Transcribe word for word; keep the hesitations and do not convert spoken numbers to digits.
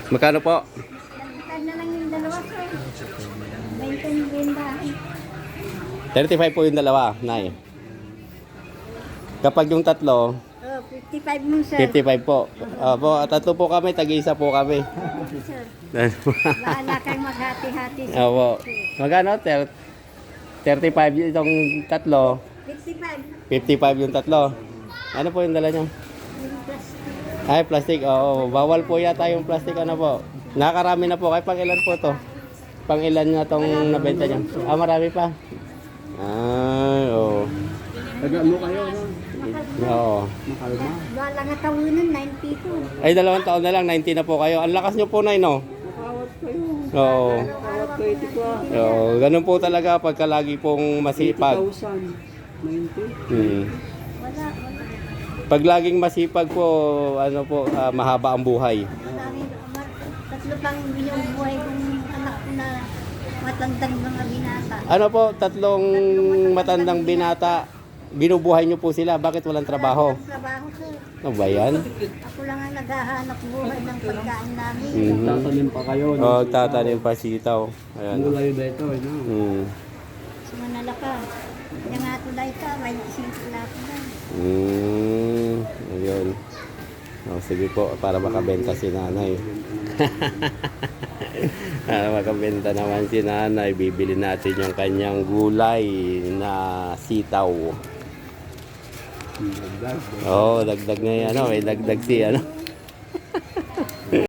Magkano po? Tag na lang yung dalawa ko. twenty yung bendahan. thirty-five po yung dalawa, Nay. Kapag yung tatlo, Oh, fifty-five mo, sir. fifty-five po. Opo, tatlo po kami, tag-isa po kami. Okay, sir. Bahala kayong maghati-hati. sir. Opo. Magkano? Ter- thirty-five itong tatlo, fifty-five. fifty-five yung tatlo. Ano po yung dala nyo? Yung plastic. Ay, plastic. Oo, bawal po yata yung plastic. Ano po? Nakarami na po. Kaya pang ilan po to? Pang ilan na tong nabenta nyo? Ah, marami pa. Ay, oo. Taga-ano kayo, no? Oo. Makalma. Wala nga tawinan, ninety-two. Ay, dalawang taon na lang. ninety na po kayo. Ang lakas nyo po, Nay, no? Makawat kayo. Oo. Makawat kayo, tikwa. Oo, ganun po talaga pagka lagi pong masipag. eighty thousand. ninety. Hmm. Wala, wala. Pag laging masipag po, ano po, ah, mahaba ang buhay. Marami, mar- tatlo pang binubuhay kong anak ko na matandang mga binata. Ano po, tatlong matandang binata, binubuhay nyo po sila. Bakit walang trabaho? Ang trabaho, sir. Ano ba yan? Ako lang ang naghahanap buhay ng pagkain namin. Mhm. Tatanim pa kayo, no? Oh, tatanim pa sitaw. Ayan. Gulay ba ito, no? Mm. Sumanala ka. Yung nga tulay ka, may singkula ko na. Mm. Ayun. Oh, sige po, para makabenta si nanay. Para makabenta naman si nanay, bibili natin yung kanyang gulay na sitaw. Dagdag. Oh, dagdag na yan. Ano, may dagdag si ano.